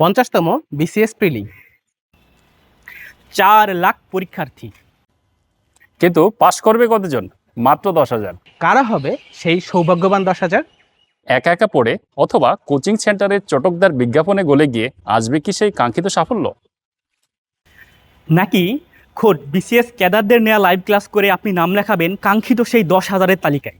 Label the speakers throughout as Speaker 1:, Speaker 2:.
Speaker 1: 50তম BCS প্রিলি। 4 লাখ পরীক্ষার্থী।
Speaker 2: কিন্তু পাশ করবে কতজন? মাত্র 10,000।
Speaker 1: কারা হবে সেই সৌভাগ্যবান 10,000?
Speaker 2: একা একা পড়ে অথবা কোচিং সেন্টারে চটকদার বিজ্ঞাপনে গলে গিয়ে আসবে কি সেই কাঙ্ক্ষিত সাফল্য?
Speaker 3: নাকি খোদ বিসিএস ক্যাডারদের নেওয়া লাইভ ক্লাস করে আপনি নাম লেখাবেন কাঙ্ক্ষিত সেই 10,000-এর তালিকায়?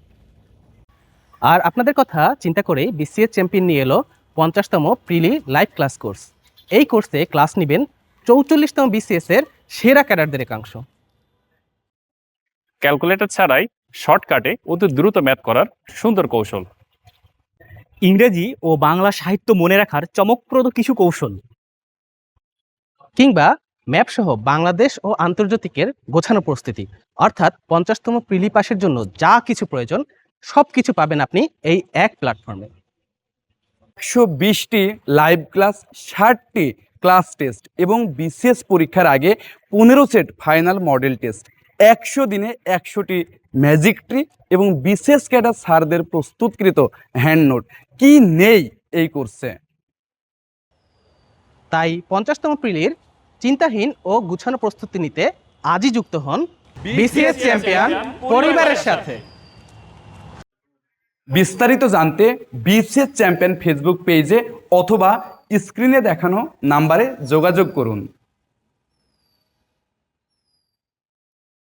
Speaker 1: আর আপনাদের কথা চিন্তা করে বিসিএস চ্যাম্পিয়ন নিয়ে এলো 50তম প্রিলি লাইভ ক্লাস কোর্স। এই কোর্সে ক্লাস নেবেন 44তম বিসিএস এর সেরা ক্যাডারদের একাংশ।
Speaker 2: ক্যালকুলেটর ছাড়াই শর্টকাটে অতি দ্রুত ম্যাথ করার সুন্দর কৌশল,
Speaker 3: ইংরেজি ও বাংলা সাহিত্য মনে রাখার চমকপ্রদ কিছু কৌশল,
Speaker 1: কিংবা ম্যাপ সহ বাংলাদেশ ও আন্তর্জাতিকের গোছানো প্রস্তুতি। অর্থাৎ 50তম প্রিলি পাসের জন্য যা কিছু প্রয়োজন সবকিছু পাবেন আপনি এই এক প্ল্যাটফর্মে।
Speaker 4: 120টি লাইভ ক্লাস, 60টি ক্লাস টেস্ট এবং বিসিএস পরীক্ষার আগে 15 সেট ফাইনাল মডেল টেস্ট, 100 দিনে 100টি ম্যাজিক ট্রি এবং বিসিএস ক্যাডার স্যারদের প্রস্তুতকৃত হ্যান্ড নোট। কি নেই এই কোর্সে?
Speaker 1: তাই 50তম প্রিলির চিন্তাহীন ও গুছানো প্রস্তুতি নিতে আজই যুক্ত হন বিসিএস চ্যাম্পিয়ন পরিবারের সাথে।
Speaker 4: বিস্তারিত জানতে বিসিএস চ্যাম্পিয়ন ফেসবুক পেজে অথবা স্ক্রিনে দেখানো নাম্বারে যোগাযোগ করুন।